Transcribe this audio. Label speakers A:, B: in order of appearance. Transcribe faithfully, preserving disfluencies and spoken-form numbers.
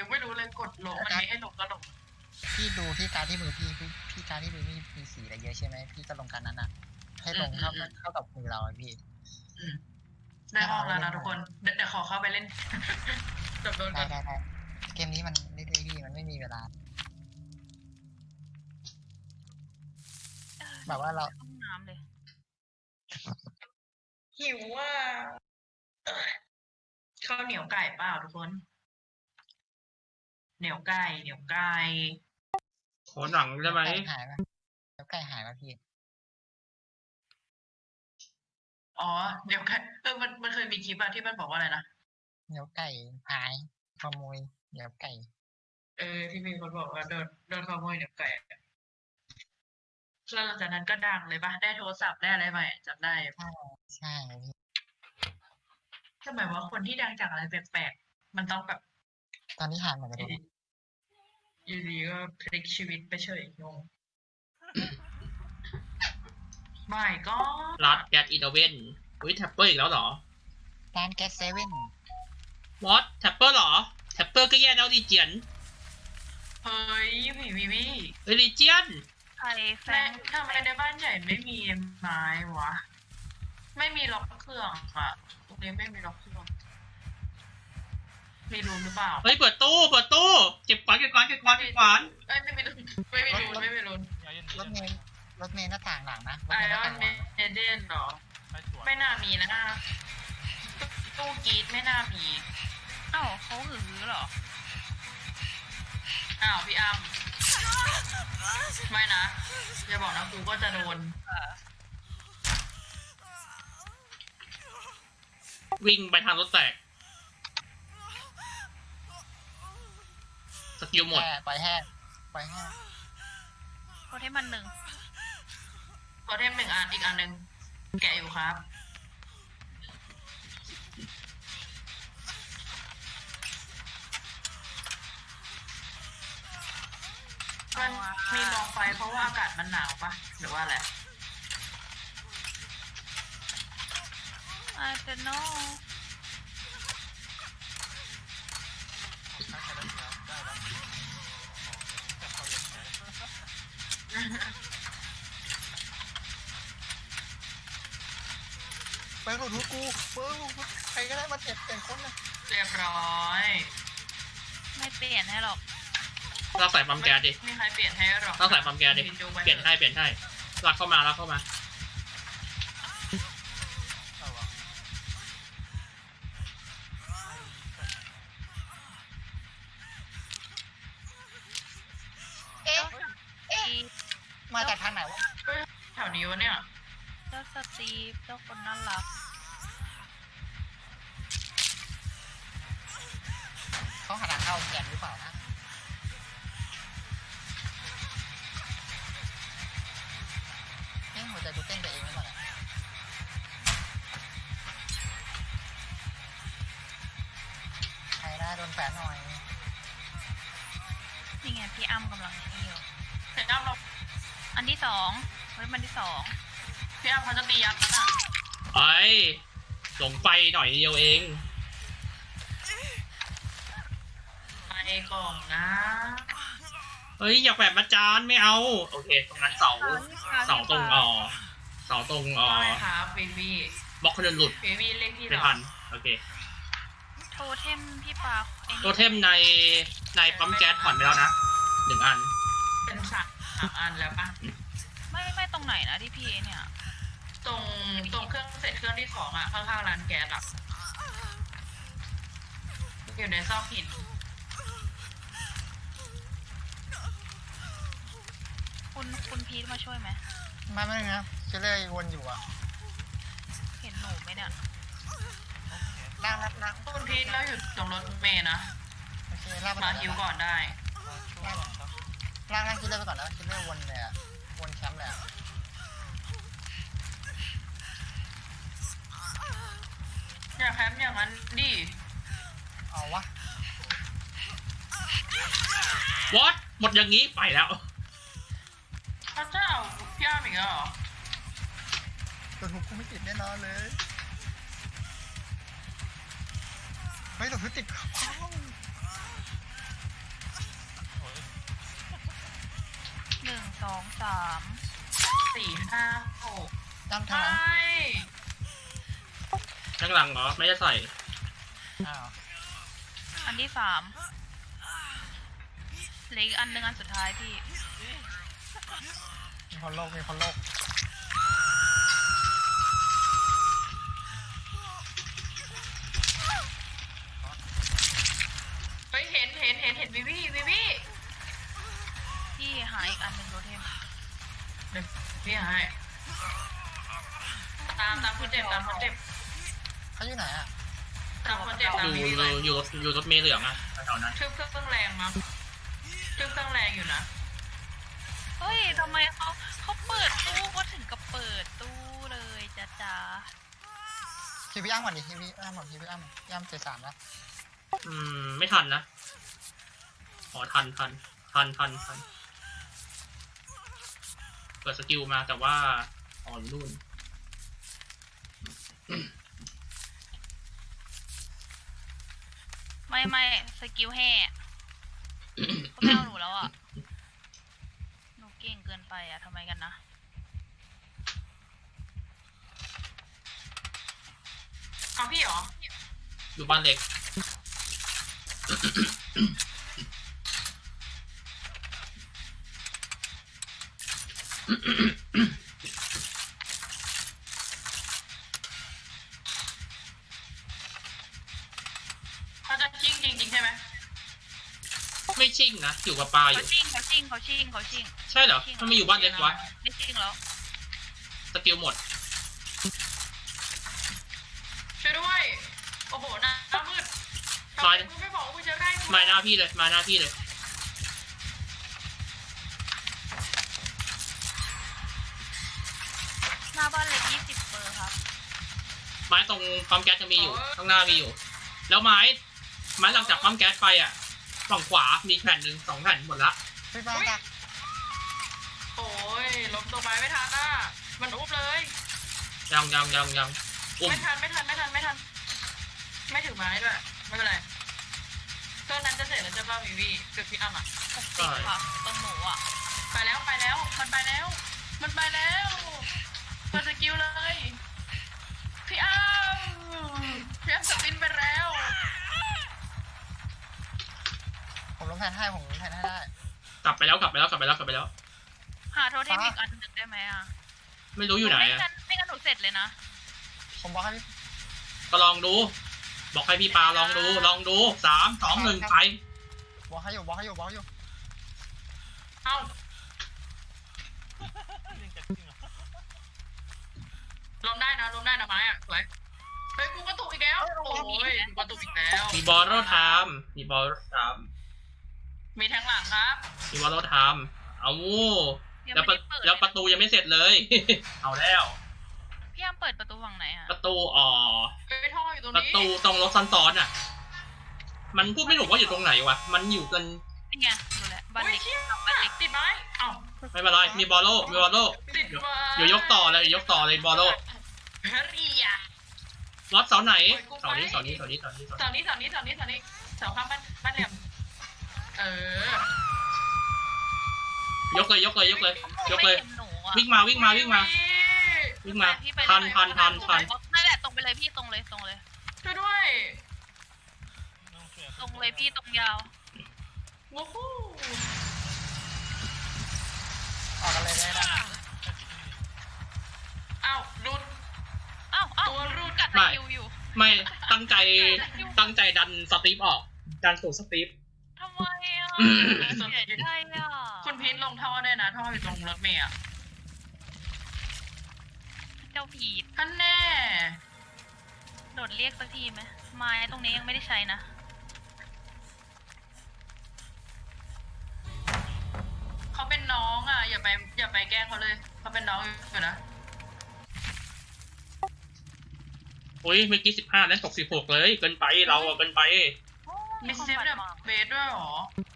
A: ยังไม่รู้เลยกดลงมันมีให้ลงก็ลง
B: พี่ดูที่การที่มือพี่พี่พี่การที่มือพี่มีสีอะไรเยอะใช่ไหมพี่ก็ลงการนั้นอ่ะให้ลงเท่าเท่ากับมือเราพี่
A: ได้ห้องแล้วนะทุกคนเดี๋ยวขอเข้าไปเล่นจบโดนก่
B: ได้
A: อน
B: ได้ได้เกมนี้มันเรื่อยๆพี่มันไม่มีเวลาแบบว่าเรา
C: ห้องน้ำเลย
A: หิวว่าข้าวเหนียวไก่เปล่าทุกคน เหนียวไก่เหนียวไก่
D: ขอหนังได้ไหม
B: ไก่หายไหมแล้วไก่หายไหมพี่
A: อ๋อเหนียวไก่เออมันมันเคยมีคลิปอะที่มันบอกว่าอะไรนะ
B: เนื้อไก่หายขโมยเนื้อไก่
A: เออที่มีคนบอกว่าโดนโดนขโมยเหนียวไก่แล้วหลังจากนั้นก็ดังเลยปะได้โทรศัพท์ได้อะไรใหม่จำได้
B: ใช่ใช่พี่
A: ทำไมว่าคนที่ดังจากอะไรแปลกๆมันต้องแบบ
B: ตอนนี้หายหมดเลย
A: อยู่ดีก็พลิกชีวิตไปเฉยงงไม่ก็
D: รัดแกดอีเดเวนอุ้ยแท็ปเปอร์อีกแล้วเหรอ
B: ร้านแก๊สเซเว่น
D: วอตแท็ปเปอร์เหรอแท็ปเปอร์ก็แย่แล้วดีเจียน
A: เฮ้ยผีวิวี
D: เฮ้ยดีเจียน
C: ใครแฟ
A: แม่
C: น
A: ทำไมในบ้านใหญ่ไม่มีไม้วะ ไม่มีล็อกเครื่องอะตรงนี้ไม่มีล็อกเครื่องมีรูนหรือเปล่า
D: เฮ้ยเปิดตู้เปิดตู้เก็บขวานเก็บขวานเก็บขวานเก็บขวาน
A: เอ้ยไม่มีรูนไม่มีรูนไม่มีรูน
B: รถเมล์รถเมล์หน้าต่างหลังนะรถ
A: ไอ
B: เมล์ห
A: ร
B: น้า
A: อน
B: ต่างห
A: เม
B: ลัง
A: เดนเหรอ ไม่น่ามีนะตู้กรีดไม่น่ามี
C: เอ้าเขาหือเหรอ
A: อ้าวพี่อ้ำไม่นะอย่าบอกนะกูก็จะโดน
D: วิ่งไปทางรถแตกสกิลหมด
B: แห่ปล่อยแห่ปล่อยแห่
C: โคตรให้มันหนึ่ง
A: โทเทมหนึ่งอันอีกอันหนึ่งแกะอยู่ครับ มันมีกองไฟเพราะว่าอากาศมันหนาวปะหรือว่าอะไร
C: อาจจะโน่
B: เปิดหลุดหัวกูเปิดหลุดใครก็ได้มาเจ็บเปลี่ยนคนนะ
A: เรียบร้อย
C: ไม่เปลี่ยนให้หรอก
D: ลากสายปั๊มแก๊สดิ
A: ไม่มีใครเปลี่ยนให้หรอก
D: ลากสายปั๊มแก๊สดิ
A: พินจูไว้
D: เปลี่ยนให้เปลี่ยนให้ลากเข้ามาลากเข้ามา
B: เอ๊ะ
C: เอ๊ะ
B: มาจากทางไหนวะ
A: เฮ้ยแถวนี้วะเนี่ย
C: เจ้าสตีฟเจ้าคนน่ารัก
B: เขาหาทางเข้าแกนหรือเปล่านะเอ๊ะหัวใจกูเต้นไปเองหรือเปล่าเนี่ยใครได้โดนแฝงหน่อย
C: นี่ไงพี่อ้ำกำลังนี่อยู่
A: พี่อ้ำเรา
C: อันที่สองเฮ้ยมันที่สอง
A: พี่อ้ำเขาจะตียัดนะ
D: ไอ้หลงไฟหน่อยเดียวเอง
A: ไปก่อนนะ
D: เฮ้ยอยากแบบมาจานไม่เอาโอเคตรงนั้นเสาเสาตรงอ๋อเสาตรงอ๋อ
A: ใช่ครับวีวี
D: บล็อกคนเดินหลุด
A: วีวีเลขที่
D: เป็น
A: เรา
D: พันโอเค
C: โทเทมพี่ปาไอ้นี่
D: ตัวเทมในในปั๊มแก๊สผ่อนไปแล้วนะหนึ่งอัน
A: เป็นสามสามอันแล้วปะ
C: ไม่ไม่ตรงไหนนะที่พี่เนี่ย
A: ตรงตรงเครื่องเสร็จเครื่องที่สองอะข้างๆร้านแก๊สอะอยู่ในซอกหิน
C: คุณคุณพีทมาช่วยไหม
B: มาไม่ได้นะเชลเลอร์วนอยู่อ่ะ
C: เห็นหนูไหมเนี่ย
B: ล่างล่างล่าง
A: คุณพีทเราอยู่ตรงรถเมย์นะ
B: โอเคล่างไป
A: มา
B: ก่อน
A: ฮิวก่อนได้
B: ล่างล่างคิดเลอร์ไปก่อนแล้วคิดเลอร์วนเลยอ่ะวนแชมป์เลยอ่ะ
A: อย่าแคมป์อย่างนั้นดิ
B: เอาวะ
D: วอตหมดอย่างนี้ไปแล้ว
A: พระเจ้าพี่อ้ามอีกแล้วเหรอ
B: ตัวทุกกูไม่ติดแน่นอนเลยไม่ตัวทุกติด
C: นึ่งสองสาม
A: สี่ห้าหก
B: ด้าน
A: ไม
B: ทางหลัง่
D: ข้างหลังเหรอไม่ได้ใส่
B: อ้าว
C: อันที่สามเหลืออีกอันหนึ่งอันสุดท้ายพี่
B: มีคนโลกมีคนโลก
A: เฮ้ยเห็นเห็นเห็นเห็นวิวี่วิวี่
C: พี่หาอีกอันหนึ่งโรเทม
A: เดี๋ยวพี่ให้ตามตามคนเจ็บตามคนเจ็บ
B: เขาอยู่ไหนอ่ะ
A: ตามคนเจ็บตาม
D: อยู่
A: วิ
D: อ
A: วี่
D: ยู่
A: ไป
D: อยู่อยู่รถเมล์เหลืองอะแถวๆนั้น
A: ชื่อเครื่องแรงมั้งชื่อเครื่องแรงอยู่นะ
C: เฮ้ยทำไมเขาเขาเปิดตู้ก็ถึงกับเปิดตู้เลยจ้าจ้า
B: คิวพี่อ้ำก่อนดิคิวพี่อ้ำก่อนคิวพี่อ้ำพี่อ้ำเจ็ดสามแล้ว
D: อืมไม่ทันนะอ๋อทันทันทันทันทันเปิดสกิลมาแต่ว่าอ๋ออยู่นู่น
C: ไม่ไม่สกิลแห่เขาไม่เอาหนูแล้วอ่ะ หนูเก่งเกินไปอ่ะทำไมกันนะ
A: เอาพี่เหรอ
D: อยู่บ้านเล็ก
A: เขาจะชิงจริงๆใช่ไหม
D: ไม่ชิ่งนะอยู่กับปลาอ
C: เขา
D: ยู่
C: ชิงเขาชิงเขาชิงเขาชิง
D: ใช่เหรอถ้าไม่อยู่บ้านเล็กวะ
C: ไม่ชิงแล้ว
D: สกิลหมด
A: ช่วยด้วยโอ้โหหน้ามืดทำไมกูไม่บอกว่ากูจะได้กู
D: มาหน้าพี่เลยมาหน้าพี่เลย
C: หน้าบ้านเล็กยี่สิบเปอร์ครับ
D: ไม้ตรงปั๊มแก๊สจะมีอยู่ข้างหน้ามีอยู่ แล้วไม้ไม้หลังจากปั๊มแก๊สไปอ่ะฝั่งขวามีแผ่นหนึ่งสองแผ่นหมดละ
B: พี่ป้าดัก
A: โอ้ยล้มตัวไม้ไม่ทันอ่ะมันอุ้มเลย
D: ยังยังยังยังอุ้ม
A: ไม่ทันไม่ทันไม่ทันไม่ทัน ไม่ถึงไม้ด้วยไม่เป็นไรเครื่องนั้นจะเสร็จแล้วจะบ้าวิวี่เกือบพี่อ้ำอ่ะ
C: หกสิบค่ะตรงหนูอ่ะ
A: ไปแล้วไปแล้วมันไปแล้ว มันไปแล้วเปิดสกิลเลย พี่อ้ำพี่อ้ำสปินไปแล้ว
B: ผมลงแทนให้ผมลงแทนให้ได้
D: กลับไปแล้วกลับไปแล้วกลับไปแล้วกลับไปแล้ว
C: หาโทเทมอีกอันหนึ่งได้ไหมอ่ะ
D: ไม่รู้อยู่ไหน
C: ไม่
D: อ่ะ
C: งั้นไม่งั้นหนูเสร็จเลยนะ
B: ผมบอกให้พี่
D: ก็ลองดู บอกให้พี่ปาลองดูลองดูสามสองหนึ่งไป
B: บอกให้อยู่บอกให้อยู่บอกให้อยู่
A: เอ้าลมได้นะลมได้นะไม้อ่ะสวยเฮ้ยกูกระตุกอีกแล้วโอ้ยกูกระตุกอีกแล้ว
D: มีบอลโรไทม์มีบอลโรไทม์
A: มีแทงหลังครับ
D: มีบอลโรไทม์เอา
C: ยัง
D: แล้ว
C: ไม่
D: ปะ
C: ได้เปิด
D: แล้วประตูยังไม่เสร็จเลย เอาแล้ว
C: พี่อ้ำเปิดประตูฝั่งไหนอ่ะ
D: ประตูอ๋อ
A: เฮ้ยท่ออยู่ตรง
D: ประ
A: นี้
D: ตูตรงรถซ้อนๆอ่ะ มันพูดไม่ถูกว่าอยู่ตรงไหนวะ มันอยู่กัน
C: นี่ไงดูแลวบ้าน
A: อุ้ย
C: เล็ก
A: เชี่ย
C: บ้านเล็ก
A: ติดไม้เอ้า
D: ไม่เป็นไร มีบอลโลมีบอลโล
A: ติดไม้
D: เดี๋ยวยกต่อเลยเดี๋ยวยกต่อเลยบอลโล
A: เฮ้ยอ่ะ
D: รถเสาไหน
A: โอ้ยกูไป
D: เสานี้เสานี้เสานี้เสานี้เสา
A: เสา
D: นี้
A: นี้เสานี้เสานี้เสานี้เสาข้างบ้านบ้านเหลี่ยมเออย
D: กเลยยกเลยยกเลย ยกเลย
C: ไม่ห็นหนูอะ
D: วิ่งมาวิ่งมาวิ่งมา วิ่งมา
C: พี่ไป
D: ทัน
C: เลย
D: ทันทันทัน
C: นั่นแหละตรงไปเลยพี่ตรงเลยตรงเลย
A: ช่วยด้วย
C: ตรงเลยพี่ตรงยาว
A: วู้ฮู้
B: ออกกันเลยได้ได้
A: เอ้าหลุด
C: อ้าวอ้าว
A: ตัวรูด
C: กัด
D: ไม่
C: คิวอยู่
D: ไม่ตั้งใจตั้งใจดันสตีฟออก ดันสู่สตีฟ
C: ทำไมอ่ะ
D: อืม
C: เสียใจอ่ะ
A: คุณพีทลงท่อด้วยนะท่ออยู่ตรงรถเมล์อ่ะ
C: เจ้าผีด
A: ท่านแน่
C: โดดเรียกสักทีไหมไม้ตรงนี้ยังไม่ได้ใช้นะ
A: เขาเป็นน้องอ่ะ อย่าไปอย่าไปแกล้งเขาเลยเขาเป็นน้องอยู่นะ
D: อุ้ยเมื่อกี้สิบห้าแล้วตกสิบหกเลย เกินไปเราอะเกินไป
C: โอ้
A: มี
C: คน
A: ซิฟ
C: ปัด
A: แบบ
C: หมอก
A: เบสด้วยเหรอ